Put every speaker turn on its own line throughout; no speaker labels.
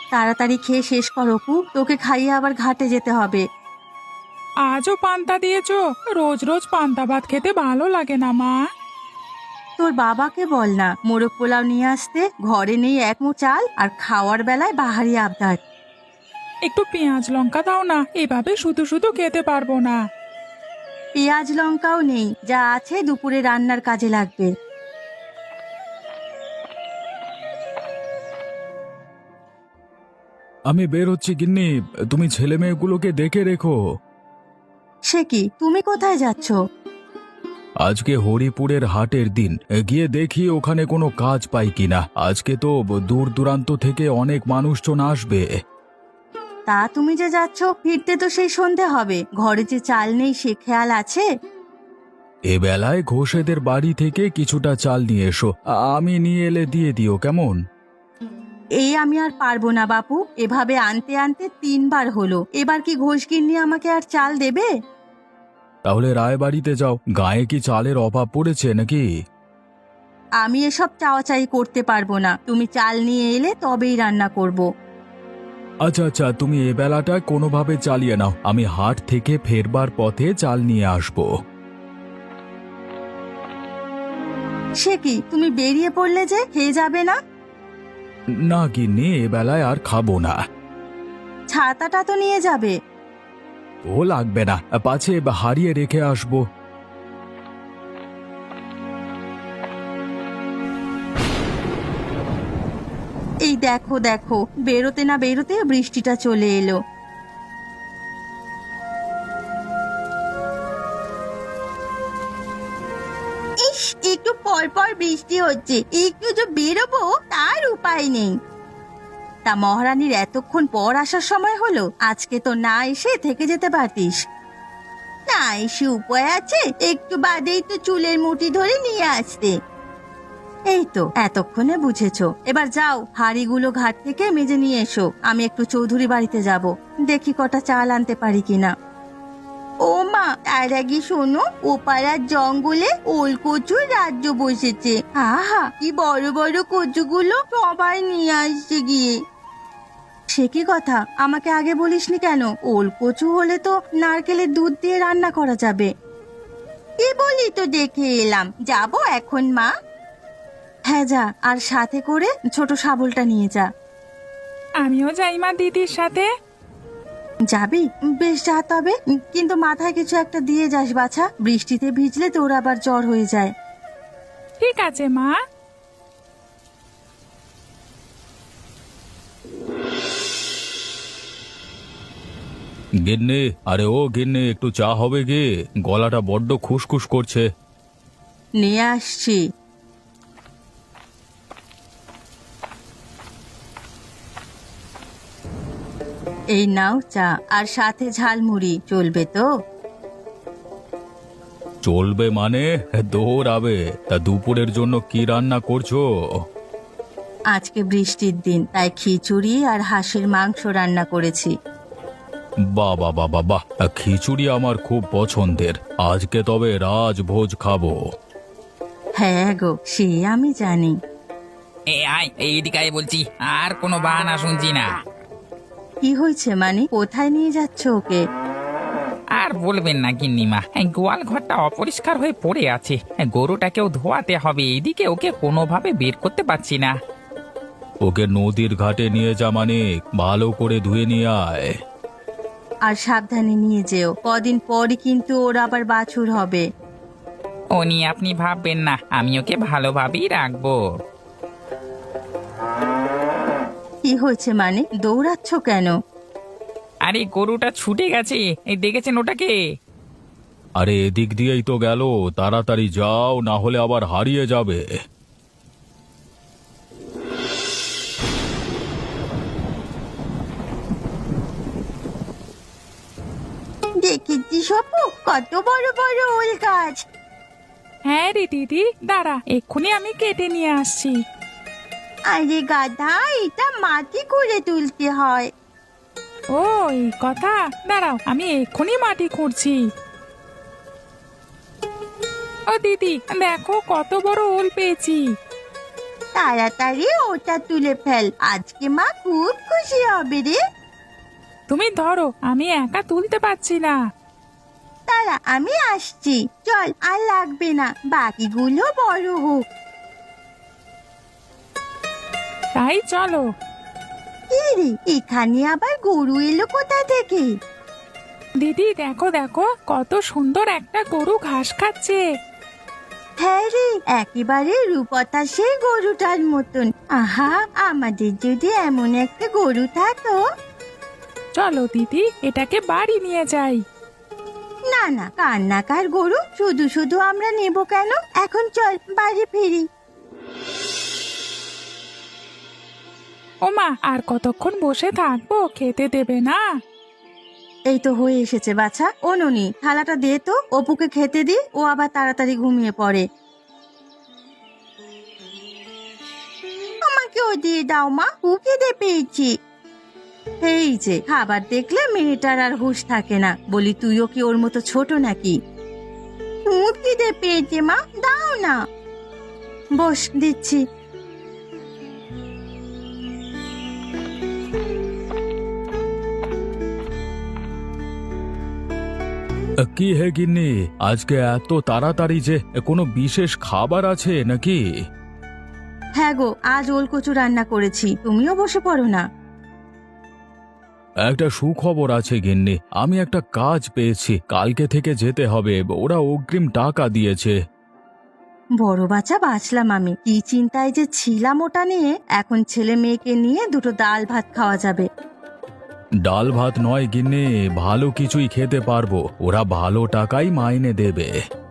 তাড়াতাড়ি খেয়ে শেষ কর অপু, তোকে খাইয়ে আবার ঘাটে যেতে হবে।
আজও পান্তা দিয়েছো? রোজ রোজ পান্তা ভাত খেতে ভালো লাগে না মা।
তোর বাবাকে বল না মোরগ পোলাও নিয়ে আসতে, ঘরে নেই এক মু চাল আর খাওয়ার বেলায় বাহারি আবদার।
একটু পেঁয়াজ লঙ্কা দাও না, এভাবে শুধু শুধু খেতে পারবো না।
পেঁয়াজ লঙ্কাও নেই, যা আছে দুপুরে রান্নার কাজে লাগবে।
আমি বের হচ্ছি গিন্নি, তুমি ছেলে মেয়েগুলোকে দেখে রেখো।
সে কি, তুমি কোথায় যাচ্ছ?
আজকে হরিপুরের হাটের দিন, গিয়ে দেখি ওখানে কোনো কাজ পাই কিনা। আজকে তো দূর দূরান্ত থেকে অনেক মানুষজন আসবে।
তা তুমি যে যাচ্ছ, ফিরতে তো সেই সন্ধে হবে, ঘরে যে চাল নেই সে খেয়াল আছে?
এ বেলায় ঘোষেদের বাড়ি থেকে কিছুটা চাল নিয়ে এসো, আমি নিয়ে এলে দিয়ে দিও কেমন?
এই আমি আর পারবো না বাপু, এভাবে আনতে আনতে 3বার হলো, এবার কি ঘোষগিন্নি আমাকে আর চাল দেবে?
তাহলে রায়বাড়িতে যাও, গায়ে কি চালের অভাব পড়েছে নাকি?
আমি এসব চাওয়াচাই করতে পারবো না, তুমি চাল নিয়ে এলে তবেই রান্না করব।
আচ্ছা আচ্ছা, তুমি এ বেলাটা কোনোভাবে চালিয়ে নাও, আমি হাট থেকে ফেরবার পথে চাল নিয়ে আসবো।
সে কি, তুমি বেরিয়ে পড়লে যে, খেয়ে যাবে না?
না গিন্নি, এ বেলায় আর খাবো না।
ছাতাটা তো নিয়ে যাবে।
ও লাগবে না, পাছে হারিয়ে রেখে আসবো।
এই দেখো দেখো, বেরোতে না বেরোতে বৃষ্টিটা চলে এলো। ইস, একটু পর পর বৃষ্টি হচ্ছে, একটু যে বেরোবো তার উপায় নেই। তা মহারানীর এতক্ষণ পর আসার সময় হলো, আজকে তো না এসে থেকে যেতে পারতিস। না এসে উপায় আছে, একটু বাদেই তো চুলের মুঠি ধরে নিয়ে আসতে। এই তো এতক্ষণে বুঝেছো, এবার যাও হাঁড়িগুলো ঘাট থেকে মেজে নিয়ে এসো, আমি একটু চৌধুরী বাড়িতে যাব, দেখি কটা চাল আনতে পারি কিনা। ও মা, তার আগে শোনো, ও পাড়ার জঙ্গলে ওল কচুর রাজ্য বসেছে। আহা, কি বড় বড় কচুগুলো সবাই নিয়ে আসছে গিয়ে। সে কি কথা, আমাকে আগে বলিসনি কেন? ওল কচু হলে তো নারকেলের দুধ দিয়ে রান্না করা যাবে। কি বলি তো দেখে এলাম, যাব এখন মা। হ্যাঁ যা, আর সাথে করে ছোট শাবলটা নিয়ে যা।
আমিও যাই মা দিদির সাথে।
যাবি? বেশ যা তবে, কিন্তু মাথায় কিছু একটা দিয়ে যাস বাছা, বৃষ্টিতে ভিজলে তোর আবার জ্বর হয়ে যায়।
ঠিক আছে মা।
গিন্নি, আরে ও গিন্নি, একটু চা হবে কি? গলাটা বড্ড খুসখুস করছে।
নিয়ে আসছি। এই নাও চা, আর সাথে ঝালমুড়ি, চলবে তো?
চলবে মানে? দৌড়াবে। তা দুপুরের জন্য কি রান্না করছো?
আজকে বৃষ্টির দিন, তাই খিচুড়ি আর হাঁসের মাংস রান্না করেছি।
বাহ বাহ বাহ বাহ বাহ, খিচুড়ি আমার খুব পছন্দের। আজকে তবে রাজভোজ খাবো।
হ্যাঁ গো, সে আমি জানি।
আয় এইদিকে আয় বলছি, আর কোনো বাহানা শুনছি না।
কি হয়েছে মানে, কোথায় নিয়ে যাচ্ছ ওকে?
আর বলবেন না গিন্নিমা, গোয়াল ঘরটা অপরিষ্কার হয়ে পড়ে আছে, গরুটাকেও ধোয়াতে হবে, এইদিকে ওকে কোনোভাবে বের করতে পারছি না।
ওকে নদীর ঘাটে নিয়ে যা, মানে ভালো করে ধুয়ে নিয়ে আয়।
আর সাবধানে নিয়ে যেও, কদিন পরই কিন্তু ওর আবার বাছুর হবে।
ও নিয়ে আপনি ভাববেন না, আমি ওকে ভালোভাবেই রাখবো।
কি হয়েছে মানে, দৌড়াচ্ছ কেন?
আরে গরুটা ছুটে গেছে, এই দেখেছেন ওটাকে?
আরে এদিক দিয়েই তো গেল, তাড়াতাড়ি যাও, না হলে আবার হারিয়ে যাবে।
দেখেছি সপু, কত বড় বড় ওল গাছ।
হ্যাঁ রে দিদি, দাঁড়া, এক্ষুনি আমি কেটে নিয়ে আসছি।
আরে গাধা, এটা মাটি করে তুলতে হয়।
ও এই কথা, দাঁড়াও, আমি এক্ষুনি মাটি খুঁড়ছি। ও দিদি, দেখো কত বড় ওল পেয়েছি।
তা তাড়াতাড়ি ওটা তুলে ফেল, আজকে মা খুব খুশি হবে রে।
তুমি ধরো, আমি একা তুলতে পারছি না।
তারা আমি আসছি, চল আর লাগবে না, বাকিগুলো বড় হোক।
তাই চলো।
কি রে, এখানে আবার গরু এলো কোথা থেকে?
দিদি দেখো দেখো, কত সুন্দর একটা গরু ঘাস খাচ্ছে।
হ্যাঁ রে, একেবারে রূপতা সেই গরুটার মতন। আহা, আমাদের যদি এমন একটা গরু থাকতো।
চলো দিদি, এটাকে বাড়ি নিয়ে যাই।
না না, কান্নাকার গরু শুধু শুধু আমরা নেব কেন? এখন চল বাড়ি ফিরি।
ওমা, আর কতক্ষণ বসে থাকবো, খেতে দেবে না?
এই তো হয়ে এসেছে বাছা। ও ননি, থালাটা দে তো, অপুকে খেতে দি, ও আবার তাড়াতাড়ি ঘুমিয়ে পড়ে। আমাকেও দিয়ে দাও মা, খুব খিদে পেয়েছি। এই যে খাবার দেখলে মেয়েটার আর হুঁশ থাকে না। বলি, তুইও কি ওর মতো ছোট নাকি? খুব খিদে পেয়েছে মা, দাও না। বস, দিচ্ছি।
কি হে গিন্নি, আজকে এত তাড়াতাড়ি যে? কোনো বিশেষ খাবার আছে নাকি?
হ্যাঁ গো, আজ ওল কচু রান্না করেছি, তুমিও বসে পড়ো না।
একটা সুখবর আছে গিন্নি, আমি একটা কাজ পেয়েছি, কালকে থেকে যেতে হবে, ওরা অগ্রিম টাকা দিয়েছে।
বড় বাচ্চা বাঁচলাম আমি, কি চিন্তায় যে ছিলাম ওটা নিয়ে। এখন ছেলে মেয়েকে নিয়ে দুটো ডাল ভাত খাওয়া যাবে।
ডাল ভাত নয় গিন্নি, ভালো কিছুই খেতে পারবো, ওরা ভালো টাকাই মাইনে দেবে।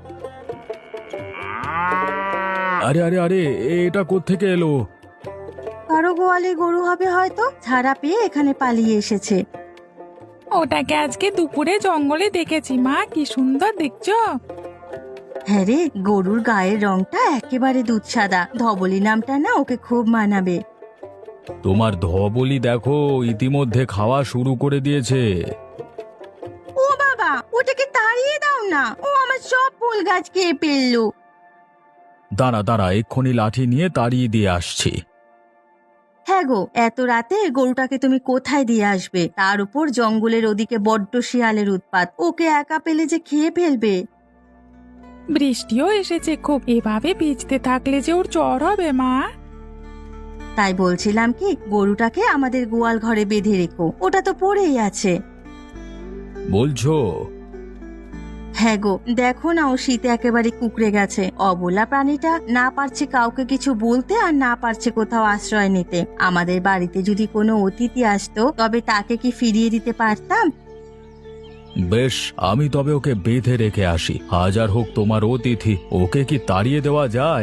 আরে আরে আরে, এটা কোত্থেকে এলো?
কারো গোয়ালে গরু হবে হয়তো, ছাড়া পেয়ে এখানে পালিয়ে এসেছে।
ওটাকে আজকে দুপুরে জঙ্গলে দেখেছি মা, কি সুন্দর দেখছো।
হ্যাঁ রে, গরুর গায়ের রংটা একেবারে দুধ সাদা, ধবলি নামটা না ওকে খুব মানাবে।
তোমার ধবলি দেখো, ইতিমধ্যে খাওয়া শুরু করে দিয়েছে।
ও বাবা, ওটাকে তাড়িয়ে দাও না, ও আমার সব ফুল গাছ খেয়ে ফেললো।
দাঁড়া দাঁড়া, এক্ষুনি লাঠি নিয়ে তাড়িয়ে দিয়ে আসছি।
হ্যাঁ গো, এত রাতে গরুটাকে তুমি কোথায় দিয়ে আসবে? তার উপর জঙ্গলের ওদিকে বড্ড শিয়ালের উৎপাত, ওকে একা পেলে যে খেয়ে ফেলবে।
বৃষ্টিও এসেছে খুব, এভাবে ভিজতে থাকলে যে ওর জ্বর হবে মা।
তাই বলছিলাম কি, গরুটাকে আমাদের গোয়াল ঘরে বেঁধে রেখো, ওটা তো পড়েই আছে।
বলছো?
হ্যাঁ গো, দেখো না, ও শীতে একেবারে কুকড়ে গেছে। অবলা প্রাণীটা না পারছে কাউকে কিছু বলতে, আর না পারছে কোথাও আশ্রয় নিতে। আমাদের বাড়িতে যদি কোনো অতিথি আসতো, তবে তাকে কি ফিরিয়ে দিতে পারতাম?
বেশ, আমি তবে ওকে বেঁধে রেখে আসি, হাজার হোক তোমার অতিথি, ওকে কি তাড়িয়ে দেওয়া যায়?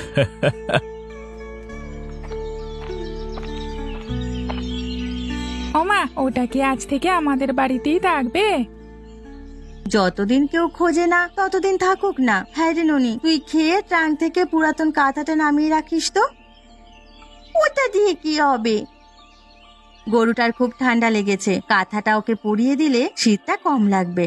ওমা, ওটা কি আজ থেকে আমাদের বাড়িতেই থাকবে?
যতদিন কেউ খোঁজে না ততদিন থাকুক না। হ্যাঁ রে ননি, তুই খেয়ে ট্রাঙ্ক থেকে পুরাতন কাঁথাটা নামিয়ে রাখিস তো। ওটা দিয়ে কি হবে? গরুটার খুব ঠান্ডা লেগেছে, কাঁথাটা ওকে পরিয়ে দিলে শীতটা কম লাগবে।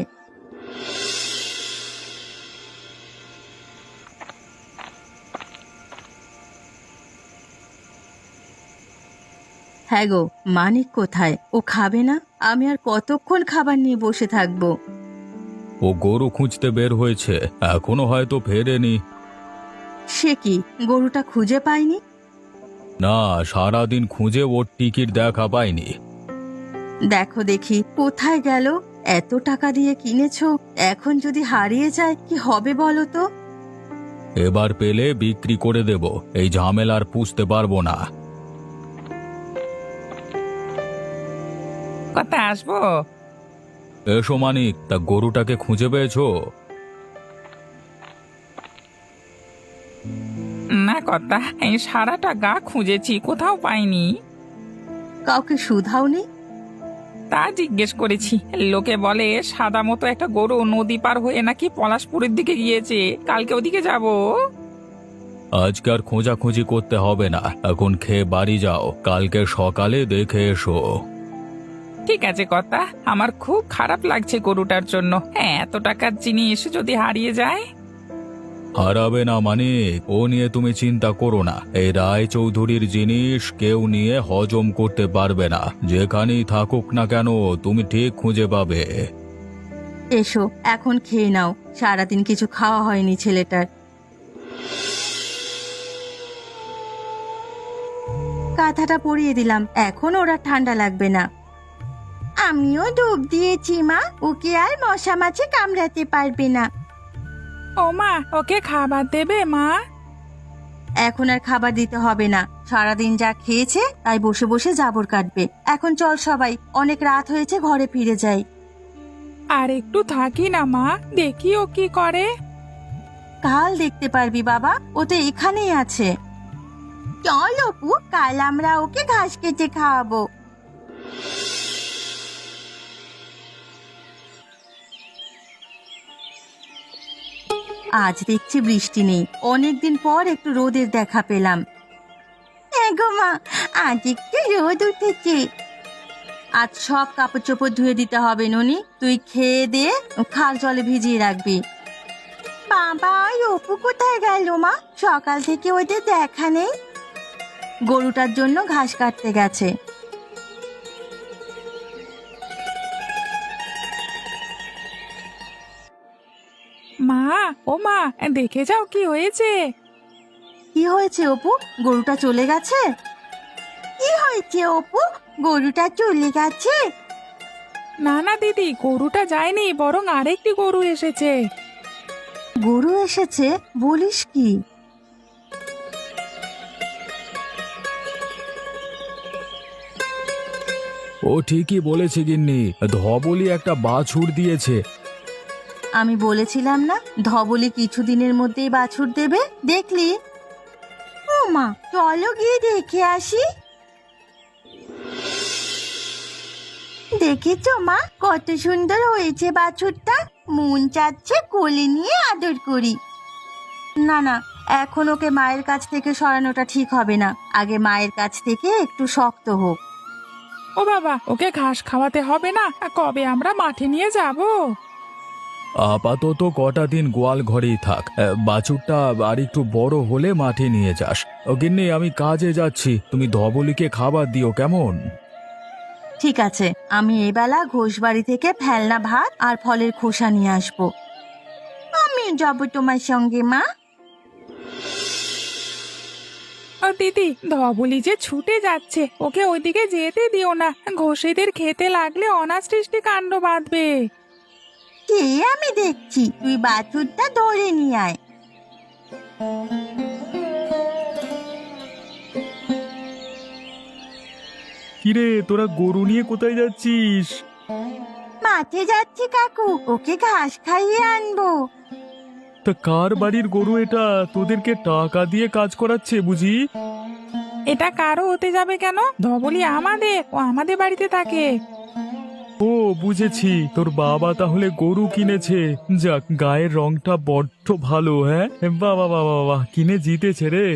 হ্যাঁ গো, মানিক কোথায়? ও খাবে না? আমি আর কতক্ষণ খাবার নিয়ে বসে থাকবো?
ও গরু খুঁজতে বের হয়েছে, এখনো হয়তো ফেরেনি।
সে কি, গরুটা খুঁজে পাইনি?
না, সারাদিন খুঁজে ওর টিকিট দেখা পাইনি।
দেখো দেখি কোথায় গেল। এত টাকা দিয়ে কিনেছো, এখন যদি হারিয়ে যায় কি হবে বলো তো?
এবার পেলে বিক্রি করে দেব, এই ঝামেলার পুষতে পারবো না।
কথা আসবো?
এসো মানিক, তা গরুটাকে খুঁজে পেয়েছো?
না কথা, এই সারাটা গা খুঁজেছি, কোথাও পাইনি।
কাউকে শুধাওনি?
তা জিজ্ঞেস করেছি, লোকে বলে সাদা মতো একটা গরু নদী পার হয়ে নাকি পলাশপুরের দিকে গিয়েছে, কালকে ওদিকে যাব।
আজকে আর খোঁজাখুঁজি করতে হবে না, এখন খেয়ে বাড়ি যাও, কালকে সকালে দেখে এসো।
ঠিক আছে কথা, আমার খুব খারাপ লাগছে গরুটার জন্য। হ্যাঁ, এত টাকার জিনিস যদি হারিয়ে যায়।
হারাবে না মানে ও নিয়ে তুমি চিন্তা করো না। এই রায়চৌধুরীর জিনিস কেউ নিয়ে হজম করতে পারবে না। যেখানেই থাকুক না কেন তুমি ঠিক খুঁজে পাবে।
এসো এখন খেয়ে নাও, সারাদিন কিছু খাওয়া হয়নি ছেলেটার। কাঁথাটা পরিয়ে দিলাম, এখন ওরা ঠান্ডা লাগবে না। আমিও ডুব দিয়েছি মা, ওকে আর মশা মাছি কামড়াতে পারবে না।
ও মা, ওকে খাবার দেবে মা?
এখন আর খাবার দিতে হবে না, সারাদিন যা খেয়েছে তাই বসে বসে জাবর কাটবে। এখন চল সবাই, অনেক রাত হয়েছে, ঘরে ফিরে যাই।
আর একটু থাকি না মা, দেখি ও কি করে।
কাল দেখতে পারবি বাবা, ও তো এখানেই আছে। চল অপু, কাল আমরা ওকে ঘাস কেটে খাওয়াবো। আজ দেখছি বৃষ্টি নেই, অনেকদিন পর একটু রোদের দেখা পেলাম। হ্যাঁ গো মা, আজ একটু রোদ উঠেছে। আজ সব কাপড় চোপড় ধুয়ে দিতে হবে ননি, তুই খেয়ে দিয়ে খাল জলে ভিজিয়ে রাখবি। বাবা, অপু কোথায় গেল মা? সকাল থেকে ওদের দেখা নেই। গরুটার জন্য ঘাস কাটতে গেছে।
মা, ও মা, দেখে যাও কি হয়েছে।
কি হয়েছে অপু? গরুটা চলে গেছে? কি হয়েছে অপু, গরুটা চলে গেছে?
না না দিদি, গরুটা যায়নি, বরং আরেকটি গরু এসেছে।
গরু এসেছে বলিস কি?
ও ঠিকই বলেছে গিন্নি, ধবলি একটা বাছুর দিয়েছে।
আমি বলেছিলাম না ধবলি কিছুদিনের মধ্যেই বাছুর দেবে, দেখলি? ও মা, চলো গিয়ে দেখে আসি। দেখেছো মা, কত সুন্দর হয়েছে বাছুরটা, মন চাচ্ছে কোলে নিয়ে আদর করি। না না, এখন ওকে মায়ের কাছ থেকে সরানোটা ঠিক হবে না, আগে মায়ের কাছ থেকে একটু শক্ত হোক।
ও বাবা, ওকে ঘাস খাওয়াতে হবে না? কবে আমরা মাঠে নিয়ে যাব?
আপাতত কটা দিন গোয়াল ঘরেই থাক, বাছুরটা আর একটু বড় হলে মাঠে নিয়ে যাস। ও গিন্নি, আমি কাজে যাচ্ছি, তুমি ধবলিকে খাবার দিও কেমন?
ঠিক আছে, আমি এবেলা ঘোষবাড়ি থেকে ফেলনা ভাত আর ফলের খোসা নিয়ে আসবো। আমি যাব তোমার সঙ্গে মা।
ও দিদি, ধবলি যে ছুটে যাচ্ছে, ওকে ওইদিকে যেতে দিও না, ঘষিদের খেতে লাগলে অনাসৃষ্টি কাণ্ড বাঁধবে।
কে আমি দেখছি, তুই বাছুরটা ধরে নিয়ে আয়।
কিরে, তোরা গরু নিয়ে কোথায় যাচ্ছিস?
মাঠে যাচ্ছি কাকু, ওকে ঘাস খাইয়ে আনবো।
তা কার বাড়ির গরু এটা? তোদেরকে টাকা দিয়ে কাজ করাচ্ছে বুঝি?
এটা কারো হতে যাবে কেন? ধবলি আমাদের, ও আমাদের বাড়িতে থাকে।
ও বুঝেছি, তোর বাবা তাহলে গরু কিনেছে। যাক, গায়ের রংটা বড্ড ভালো। হ্যাঁ বাবা বাবা বাবা, কিনে জিতেছে রে।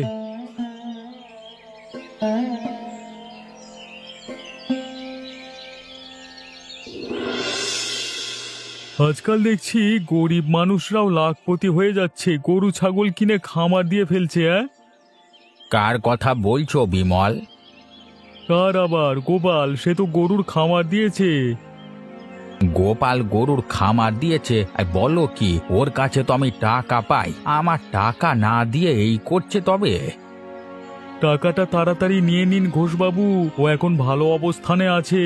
আজকাল দেখছি গরিব মানুষরাও লাখপতি হয়ে যাচ্ছে, গরু ছাগল কিনে খামার দিয়ে ফেলছে। হ্যাঁ,
কার কথা বলছো বিমল?
কার আবার? গোপাল, সে তো গরুর খামার দিয়েছে।
গোপাল গরুর খামার দিয়েছে? আর বলো কি, ওর কাছে তো আমি টাকা পাই, আমার টাকা না দিয়ে এই করছে? তবে
টাকাটা তাড়াতাড়ি নিয়ে নিন ঘোষবাবু, ও এখন ভালো অবস্থানে আছে।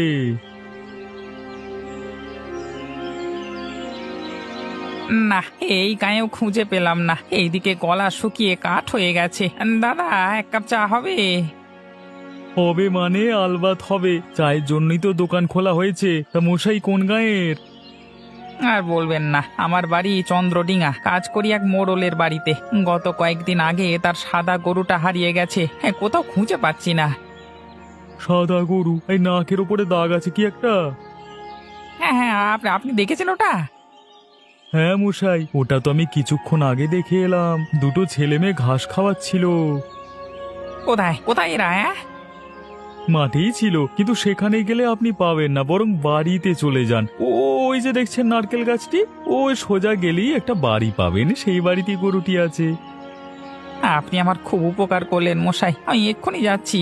না, এই গায়েও খুঁজে পেলাম না, এইদিকে গলা শুকিয়ে কাঠ হয়ে গেছে। দাদা, এক কাপ চা হবে?
হবে মানে আলবাত হবে, চায়ের জন্যই তো দোকান খোলা হয়েছে। তা মশাই কোন গাঁয়ের?
আর বলবেন না, আমার বাড়ি চন্দ্রডিঙা, কাজ করি এক মোড়লের বাড়িতে। গত কয়েকদিন আগে তার সাদা গরুটা হারিয়ে গেছে, কোথাও খুঁজে পাচ্ছি না।
সাদা গরু? এই নাকের ওপরে দাগ আছে কি একটা?
হ্যাঁ হ্যাঁ, আপনি দেখেছেন ওটা?
হ্যাঁ মশাই, ওটা তো আমি কিছুক্ষণ আগে দেখে এলাম, দুটো ছেলে মেয়ে ঘাস খাওয়াচ্ছিল।
কোথায় কোথায় এরা?
মাঠেই ছিল, কিন্তু সেখানে গেলে আপনি পাবেন না, বরং বাড়িতে চলে যান। ওই যে দেখছেন নারকেল গাছটি, ওই সোজা গেলেই একটা বাড়ি পাবেন, সেই বাড়িতে গরুটি আছে।
আপনি আমার খুব উপকার করলেন মশাই, আমি এক্ষুনি যাচ্ছি।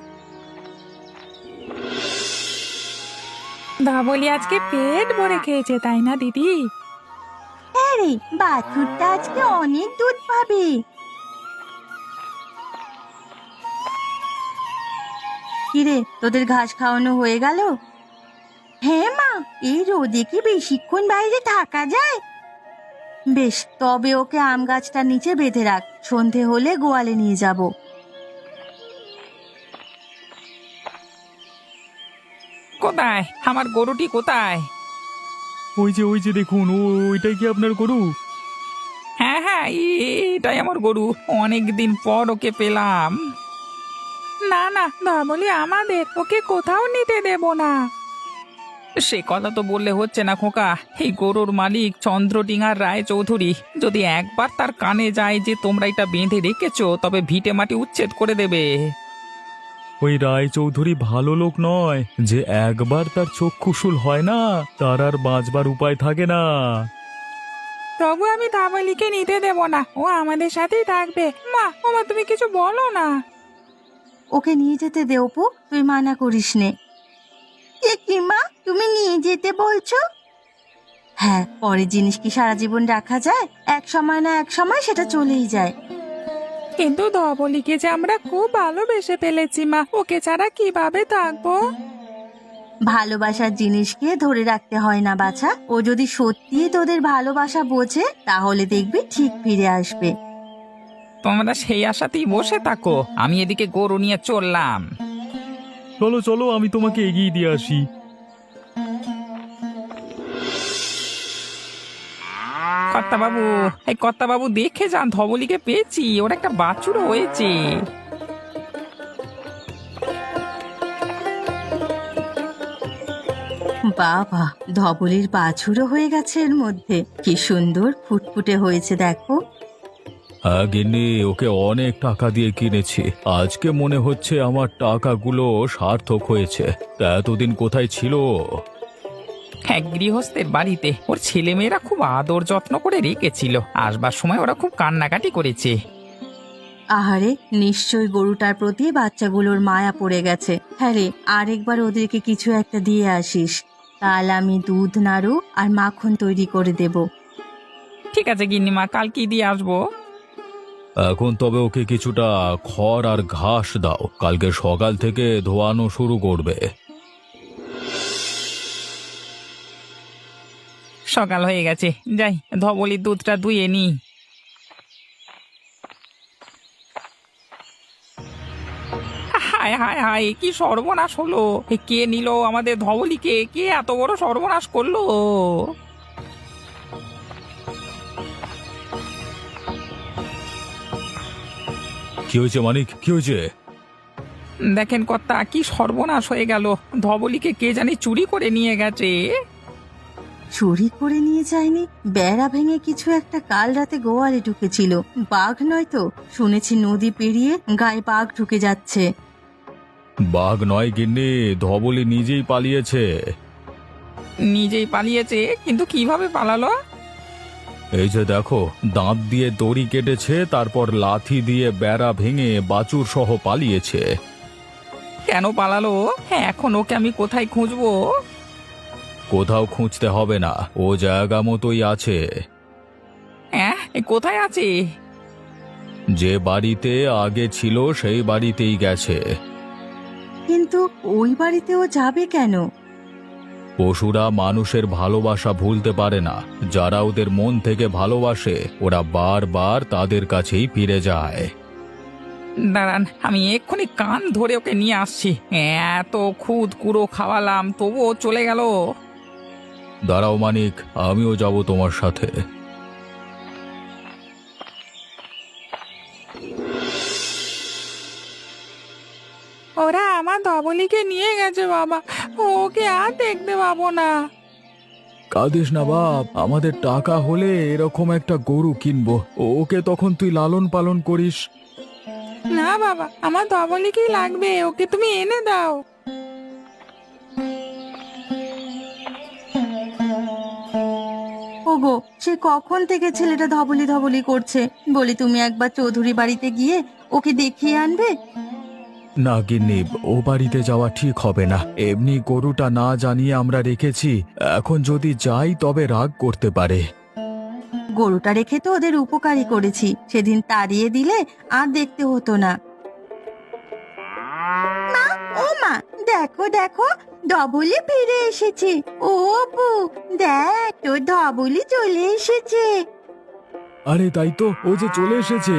ধবলি আজকে পেট ভরে খেয়েছে, তাই না দিদি?
হ্যাঁ রে, বাছুরটা আজকে অনেক দুধ পাবে। কিরে, তোদের ঘাস খাওয়ানো হয়ে গেল? হ্যাঁ মা, এই রোদে কি বেশিক্ষণ বাইরে থাকা যায়? বেশ, তবে ওকে আম গাছটার নিচে বেঁধে রাখ, সন্ধে হলে গোয়ালে নিয়ে যাব।
কোথায় আমার গরুটি, কোথায়?
ওই যে দেখুন, ওইটাই কি আপনার গরু?
হ্যাঁ হ্যাঁ, এটাই আমার গরু, অনেক দিন পর ওকে পেলাম।
না না, ধবলি আমাদের, ওকে কোথাও নিতে দেব না।
সে কথা তো বললে হচ্ছে না খোকা, এই গরুর মালিক চন্দ্রডিঙার রায় চৌধুরী যদি একবার তার কানে যায় যে তোমরা এটা বেঁধে রেখেছো, তবে ভিটে মাটি উচ্ছেদ করে দেবে।
ওই রায় চৌধুরী ভালো লোক নয়, যে একবার তার চক্ষুশুল হয় না, তার আর বাঁচবার উপায় থাকে না।
তবু আমি ধবলিকে নিতে দেব না, ও আমাদের সাথেই থাকবে। মা, ওমা, তুমি কিছু বলো না।
ওকে নিয়ে যেতে দে অপু, তুই মানা করিস নে। কি মা, তুমি নিয়ে যেতে বলছো? হ্যাঁ, পরের জিনিস কি সারা জীবন রাখা যায়? এক সময় না এক সময় সেটা চলেই যায়।
কিন্তু ধবলিকে যে আমরা খুব ভালোবেসে ফেলেছি মা, ওকে ছাড়া কিভাবে থাকবো?
ভালোবাসার জিনিসকে ধরে রাখতে হয় না বাছা। ও যদি সত্যি তোদের ভালোবাসা বোঝে, তাহলে দেখবি ঠিক ফিরে আসবে।
তোমরা সেই আশাতেই বসে থাকো, আমি এদিকে গরু নিয়ে চললাম।
চলো চলো, আমি তোমাকে এগিয়ে দিয়ে আসি।
কর্তাবাবু, এই কর্তাবাবু দেখে যান, ধবলিকে পেয়েছি, ওর একটা বাছুরও হয়েছে।
বাবা, ধবলির বাছুরও হয়ে গেছে এর মধ্যে। কি সুন্দর ফুটফুটে হয়েছে দেখো।
হ্যাঁ গিন্নি, ওকে অনেক টাকা দিয়ে কিনেছি। আজকে মনে হচ্ছে আমার টাকাগুলো সার্থক হয়েছে। তা এতদিন কোথায় ছিল?
এক গৃহস্থের বাড়িতে ওর ছেলেমেয়েরা খুব আদর যত্ন করে রেখেছিল, আসবার সময় ওরা খুব কান্নাকাটি করেছে।
আহারে, নিশ্চয় গরুটার প্রতি বাচ্চাগুলোর মায়া পড়ে গেছে। হ্যাঁ রে, আরেকবার ওদেরকে কিছু একটা দিয়ে আসিস, কাল আমি দুধ নাড়ু আর মাখন তৈরি করে দেব।
ঠিক আছে গিন্নিমা, কাল কি দিয়ে আসবো?
এখন তবে ওকে কিছুটা খড় আর ঘাস দাও, কালকে সকাল থেকে ধোয়ানো শুরু করবে।
সকাল হয়ে গেছে, যাই ধবলির দুধটা দুইয়ে নি। হায় হায় হায়, কি সর্বনাশ হলো! কে নিল আমাদের ধবলিকে? কে এত বড় সর্বনাশ করলো?
কি হয়েছে মানিক, কি হয়েছে?
দেখেন কর্তা, কি সর্বনাশ হয়ে গেল! ধবলিকে কে জানি চুরি করে নিয়ে গেছে।
চুরি করে নিয়ে যায়নি, বেড়া ভেঙে কিছু একটা কাল রাতে গোয়ালে ঢুকেছিল। বাঘ নয় তো? শুনেছি নদী পেরিয়ে গায়ে বাঘ ঢুকে যাচ্ছে।
বাঘ নয় গিন্নি, ধবলি নিজেই পালিয়েছে।
নিজেই পালিয়েছে? কিন্তু কিভাবে পালালো?
এই যে দেখো, দাঁত দিয়ে দড়ি কেটেছে, তারপর লাথি দিয়ে বেড়া ভেঙে বাছুর সহ পালিয়েছে।
কেন পালালো? হ্যাঁ, এখন ওকে আমি কোথায় খুঁজবো?
কোথাও খুঁজতে হবে না, ও জায়গা মতোই আছে।
হ্যাঁ, কোথায় আছে?
যে বাড়িতে আগে ছিল সেই বাড়িতেই গেছে।
কিন্তু ওই বাড়িতেও যাবে কেন?
পশুরা মানুষের ভালোবাসা ভুলতে পারে না। যারা ওদের মন থেকে ভালোবাসে, ওরা বারবার তাদের কাছেই ফিরে যায়।
দাঁড়ান, আমি এক্ষুনি কান ধরে ওকে নিয়ে আসছি। এত খুদ কুড়ো খাওয়ালাম, তবুও চলে গেল।
দাঁড়াও মানিক, আমিও যাব তোমার সাথে।
ওরা আমার ধবলিকে নিয়ে গেছে বাবা, ওকে আর দেখতে পাবো না।
কাঁদিস না বাপ, আমাদের টাকা হলে এরকম একটা গরু কিনবো, ওকে তখন তুই লালন পালন করিস।
না বাবা, আমার ধবলিকেই লাগবে, ওকে তুমি এনে দাও।
ওগো, সে কখন থেকে ছেলেটা ধবলি ধবলি করছে, বলি তুমি একবার চৌধুরী বাড়িতে গিয়ে ওকে দেখিয়ে আনবে।
না গিন্নি, ও বাড়িতে যাওয়া ঠিক হবে না। এমনি গরুটা না জানিয়ে আমরা রেখেছি, এখন যদি যাই তবে রাগ করতে পারে।
গরুটা রেখে তো ওদের উপকারী করেছি, সেদিন তাড়িয়ে দিলে আর দেখতে হতো না। মা, ও মা, দেখো দেখো, ধবলি ফিরে এসেছে। ও অপু, দেখ তোর ধবলি চলে এসেছে।
আরে তাই তো, ও যে চলে এসেছে।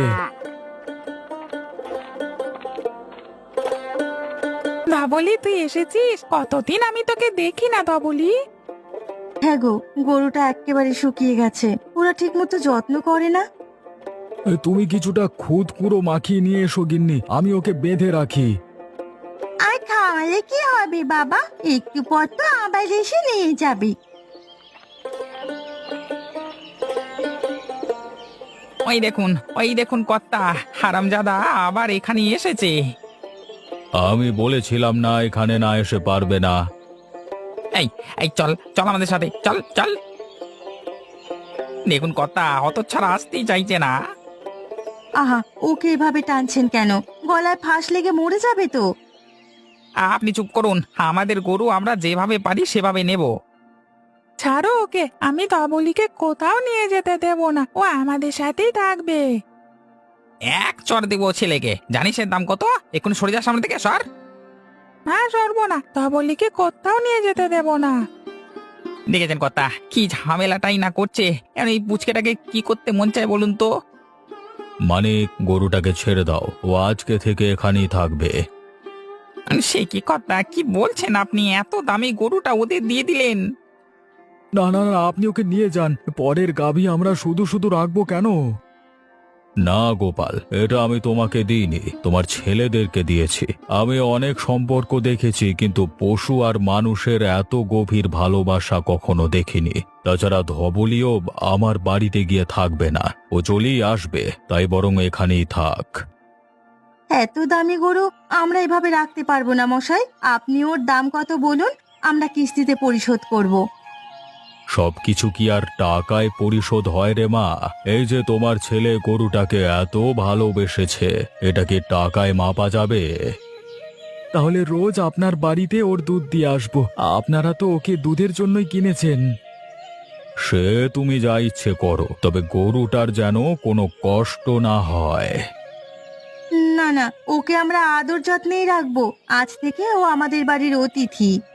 ধবলি, তুই এসেছিস? কতদিন আমি তোকে দেখি না ধবলি।
হ্যাঁ গো, গরুটা একেবারে শুকিয়ে গেছে, ওরা ঠিক মতো যত্ন করে না।
তুমি কিছুটা খুদ কুড়ো মাখিয়ে নিয়ে এসো গিন্নি, আমি ওকে বেঁধে রাখি।
আর খাওয়ালে কি হবে বাবা, একটু পর তো আবার এসে নিয়ে যাবে।
ওই দেখুন কর্তা, হারামজাদা আবার এখানে এসেছে।
আমি বলেছিলাম না এখানে না এসে পারবে না।
এই এই চল চল আমাদের সাথে, চল চল। দেখুন কর্তা, হতচ্ছাড়া আসতেই চাইছে না।
আহা, ওকে এভাবে টানছেন কেন? গলায় ফাঁস লেগে মরে যাবে তো।
আপনি চুপ করুন, আমাদের গরু আমরা যেভাবে পারি সেভাবে নেব।
ছাড়ো ওকে, আমি ধবলিকে কোথাও নিয়ে যেতে দেব না, ও আমাদের সাথেই থাকবে।
এক চর দেবো ছেলেকে, জানিস এর দাম কত? এখন সরে যা সামনে থেকে, সর।
না, সরবো না, ধবলিকে কোথাও নিয়ে যেতে দেব না।
দেখেছেন কর্তা, কি ঝামেলাটাই না করছে। এখন এই পুচকেটাকে কি করতে মন চায় বলুন তো?
মানে গরুটাকে ছেড়ে দাও, ও আজকে থেকে এখানেই থাকবে।
সে কি কর্তা, কি বলছেন আপনি? এত দামি গরুটা ওদের দিয়ে দিলেন?
না না না, আপনি ওকে নিয়ে যান, পরের গাভী আমরা শুধু শুধু রাখবো কেন? না গোপাল, এটা আমি তোমাকে দিইনি, তোমার ছেলেদেরকে দিয়েছি। আমি অনেক সম্পর্ক দেখেছি, কিন্তু পশু আর মানুষের এত গভীর ভালোবাসা কখনো দেখিনি। তাছাড়া ধবলিও আমার বাড়িতে গিয়ে থাকবে না, ও চলেই আসবে, তাই বরং এখানেই থাক।
এত দামি গরু আমরা এভাবে রাখতে পারবো না মশাই, আপনি ওর দাম কত বলুন, আমরা কিস্তিতে পরিশোধ করব।
সবকিছু কি আর টাকায় পরিশোধ হয় রে মা? এই যে তোমার ছেলে গরুটাকে এত ভালোবেসেছে, এটা কি টাকায় মাপা যাবে? তাহলে রোজ আপনার বাড়িতে ওর দুধ দিয়ে আসবো, আপনারা তো ওকে দুধের জন্যই কিনেছেন। সে তুমি যা ইচ্ছে করো, তবে গরুটার যেন কোনো কষ্ট না হয়।
না না, ওকে আমরা আদর যত্নেই রাখবো, আজ থেকে ও আমাদের বাড়ির অতিথি।